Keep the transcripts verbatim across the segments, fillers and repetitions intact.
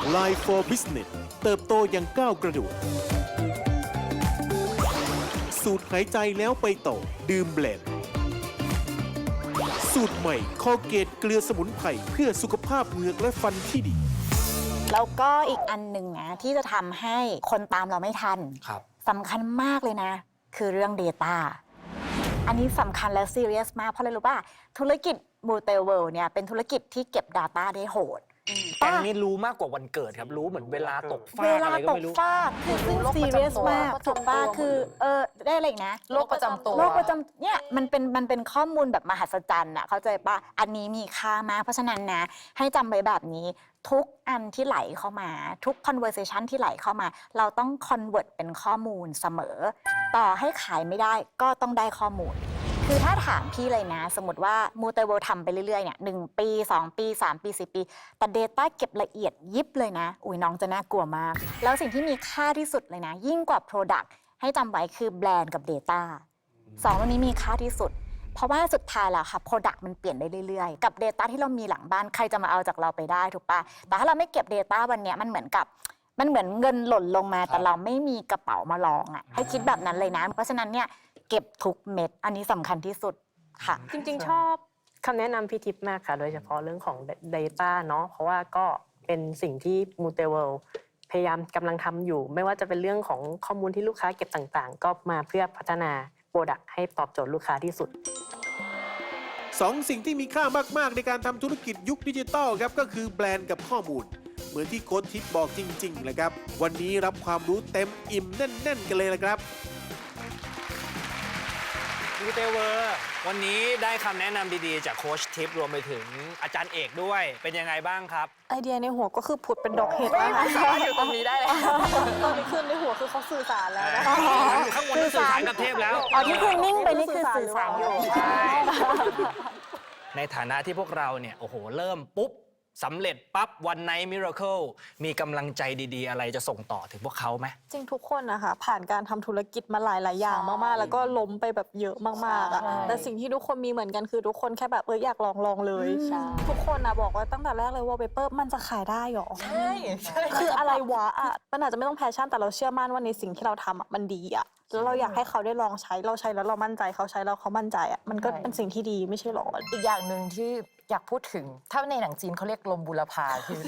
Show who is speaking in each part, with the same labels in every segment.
Speaker 1: Line for Business เติบโตอย่างก้าวกระโดดสูตรหายใจแล้วไปต่อดื่มแบลนด์สูตรใหม่คอเกตเกลือสมุนไพรเพื่อสุขภาพเหงือกและฟันที่ดี
Speaker 2: แล้วก็อีกอันหนึ่งนะที่จะทำให้คนตามเราไม่ทันสำคัญมากเลยนะคือเรื่อง Data อันนี้สำคัญและซีเรียสมากเพราะอะไรรู้ป่ะธุรกิจมูเตเวิลด์เนี่ยเป็นธุรกิจที่เก็บ Data ได้โหด
Speaker 3: แกงนี้รู้มากกว่าวันเกิดครับรู้เหมือนเวลาตกฟากอะไรก็ไม่รู้
Speaker 2: เวลาตกฟากคือซึ่งซีเรียสมากถูกป่ะคือเออได้อะไรนะ
Speaker 4: โรคประจำตัว
Speaker 2: โรคประจำเนี่ยมันเป็นมันเป็นข้อมูลแบบมหัศจรรย์อะเข้าใจป่ะอันนี้มีค่ามากเพราะฉะนั้นนะให้จำไว้แบบนี้ทุกอันที่ไหลเข้ามาทุก conversation ที่ไหลเข้ามาเราต้อง convert เป็นข้อมูลเสมอต่อให้ขายไม่ได้ก็ต้องได้ข้อมูลคือถ้าถามพี่เลยนะสมมติว่ามูเตเวิลด์ทำไปเรื่อยๆเนี่ยหนึ่งปีสองปีสามปีสี่ปีแต่ Data เก็บละเอียดยิบเลยนะอุ้ยน้องจะน่ากลัวมากแล้วสิ่งที่มีค่าที่สุดเลยนะยิ่งกว่า Product ให้จำไว้คือแบรนด์กับ Data สองตัวนี้มีค่าที่สุดเพราะว่าสุดท้ายแล้วค่ะ Product มันเปลี่ยนได้เรื่อยๆกับ Data ที่เรามีหลังบ้านใครจะมาเอาจากเราไปได้ถูกปะแต่ถ้าเราไม่เก็บ Data วันนี้มันเหมือนกับมันเหมือนเงินหล่นลงมาแต่เราไม่มีกระเป๋ามารองอ่ะให้คิดแบบนั้นเลยนะเพราะฉะนั้นเนี่ยเก็บทุกเม็ดอันนี้สำคัญที่สุดค่ะ
Speaker 4: จริงๆชอบคำแนะนำพี่ทิพย์มากค่ะโดยเฉพาะเรื่องของ Data เนาะเพราะว่าก็เป็นสิ่งที่มูเตเวิลด์พยายามกำลังทำอยู่ไม่ว่าจะเป็นเรื่องของข้อมูลที่ลูกค้าเก็บต่างๆก็มาเพื่อพัฒนาโปรดักต์ให้ตอบโจทย์ลูกค้าที่สุด
Speaker 1: สองสิ่งที่มีค่ามากๆในการทำธุรกิจยุคดิจิทัลครับก็คือแบรนด์กับข้อมูลเหมือนที่โค้ชทิพย์บอกจริงๆเลยครับวันนี้รับความรู้เต็มอิ่มแน่นๆกันเลยละครับ
Speaker 3: มูเตเวิลด์วันนี้ได้คำแนะนำดีๆจากโค้ชทิพย์รวมไปถึงอาจารย์เอกด้วยเป็นยังไงบ้างครับ
Speaker 5: ไอเดียในหัวก็คือผุดเป็นดอกเห็ดนะคะ
Speaker 4: อยู่ตรงนี้ได้เลย
Speaker 5: ตอนนี้ขึ้นในหัวคือเขาสื่อสารแล้วนะ
Speaker 3: อยู่ข้างบนสื่อสารกับเทพแล้ว
Speaker 2: อ๋อที่คุณนิ่งไปนี่คือสื่อสารอยู่
Speaker 3: ในฐานะที่พวกเราเนี่ยโอ้โหเริ่มปุ๊บสำเร็จปั๊บวันไนท์มิราเคิลมีกำลังใจดีๆอะไรจะส่งต่อถึงพวกเขาไหม
Speaker 5: จริงทุกคนนะคะผ่านการทำธุรกิจมาหลายๆอย่างมากๆแล้วก็ล้มไปแบบเยอะมากๆอ่ะแต่สิ่งที่ทุกคนมีเหมือนกันคือทุกคนแค่แบบเอออยากลองลองเลยทุกคนนะบอกว่าตั้งแต่แรกเลยว่าเปเปอร์มันจะขายได้หรอ
Speaker 4: ใช่
Speaker 5: คืออะไรวะอ่ะมันอาจจะไม่ต้องแพชชั่นแต่เราเชื่อมั่นว่าในสิ่งที่เราทำอ่ะมันดีอ่ะแล้วเราอยากให้เขาได้ลองใช้เราใช้แล้วเรามั่นใจเขาใช้แล้วเขามั่นใจอ่ะมันก็เป็นสิ่งที่ดีไม่ใช่หรอ
Speaker 4: อีกอย่างหนึ่งที่อยากพูดถึงถ้าในหนังจีนเขาเรียกลมบุรพาคือ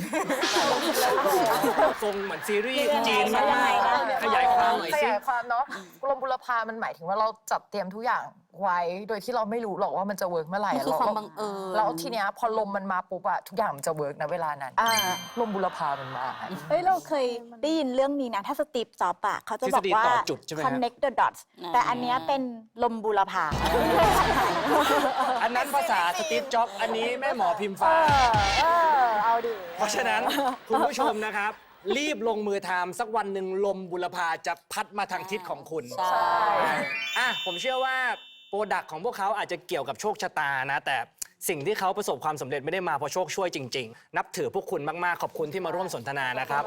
Speaker 3: ทรงเหมือนซีรีส์จีนมากๆขยายความหน่อยสิ
Speaker 4: ขยายความเนาะลมบุรพามันหมายถึงว่าเราจัดเตรียมทุกอย่างไว้โดยที่เราไม่รู้หรอกว่ามันจะเวิร์กเมื่อไหร่
Speaker 5: คือความบังเอิญ
Speaker 4: แล้วทีเนี้ยพอลมมันมาปุ๊บอะทุกอย่างมันจะเวิร์กนะเวลานั้นลมบุรพามันมา
Speaker 2: เฮ้ยเราเคยได้ยินเรื่องนี้นะถ้าสตีฟจ็อบส์อะเขาจะบอกว่า connect the dots แต่อันเนี้ยเป็นลมบุรพา
Speaker 3: อันนั้นภาษาสตีฟจ็อบส์อันนี้แม่หมอพิมฟ้า
Speaker 2: เออเอาดิ
Speaker 3: เพราะฉะนั้นคุณผู้ชมนะครับรีบลงมือทำสักวันหนึ่งลมบุรพาจะพัดมาทางทิศของคุณ
Speaker 2: ใช่
Speaker 3: อ่ะผมเชื่อว่าโปรดักต์ของพวกเขาอาจจะเกี่ยวกับโชคชะตานะแต่สิ่งที่เขาประสบความสำเร็จไม่ได้มาเพราะโชคช่วยจริงๆนับถือพวกคุณมากๆขอบคุณที่มาร่วมสนทนานะครับ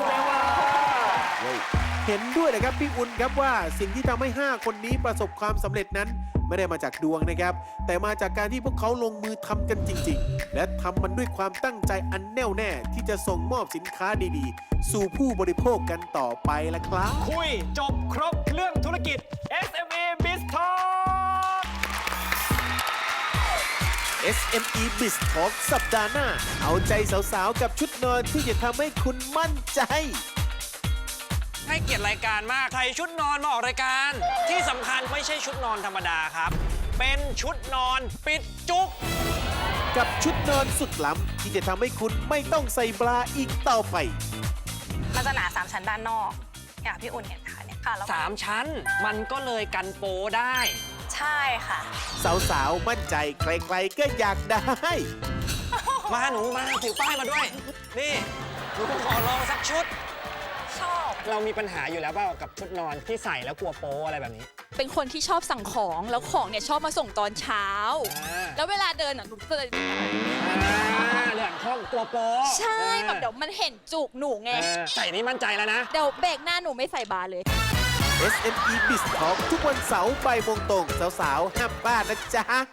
Speaker 1: เห็นด้วยนะครับพี่อุ่นครับว่าสิ่งที่ทำให้ห้าคนนี้ประสบความสำเร็จนั้นไม่ได้มาจากดวงนะครับแต่มาจากการที่พวกเขาลงมือทำกันจริงๆและทำมันด้วยความตั้งใจอันแน่วแน่ที่จะส่งมอบสินค้าดีๆสู่ผู้บริโภคกันต่อไปละครับ
Speaker 3: คุยจบครบเรื่องธุรกิจ เอส เอ็ม อี Biz Talk
Speaker 1: เอส เอ็ม อี Biz Talk สัปดาห์หน้าเอาใจสาวๆกับชุดนอนที่จะทำให้คุณมั่นใจ
Speaker 3: ให้เกียรติรายการมากใส่ชุดนอนมาออกรายการที่สำคัญไม่ใช่ชุดนอนธรรมดาครับเป็นชุดนอนปิดจุก
Speaker 1: กับชุดนอนสุดล้ำที่จะทำให้คุณไม่ต้องใส่บราอีกต่อไป
Speaker 6: มันจะหนาสามชั้นด้านนอกอย่างพี่อุ่นเห็นค่ะเนี่ยค่ะ
Speaker 3: สามชั้นมันก็เลยกันโปได้
Speaker 6: ใช่ค่ะ
Speaker 1: สาวๆมั่นใจใครๆก็อยากได้
Speaker 3: มาหนูมาถือป้ายมาด้วยนี่หนูขอลองสักชุด
Speaker 6: ชอบ
Speaker 3: เรามีปัญหาอยู่แล้วเปล่ากับชุดนอนที่ใส่แล้วกลัวโป๊อะไรแบบนี้
Speaker 7: เป็นคนที่ชอบสั่งของแล้วของเนี่ยชอบมาส่งตอนเช้าแล้วเวลาเดินอ่ะหนูก็เลย
Speaker 3: เรื่องห้องกลัวโป๊
Speaker 7: ใช่แบบเดี๋ยวมันเห็นจุกหนูไง
Speaker 3: ใส่นี้มั่นใจแล้วนะ
Speaker 7: เดี๋ยวเบรกหน้าหนูไม่ใส่บาร์เลย
Speaker 1: เอส เอ็ม อี Biz Talk ทุกวันเสาร์บ่ายโมงตรงสาวๆห้ามพลาดนะจ๊ะ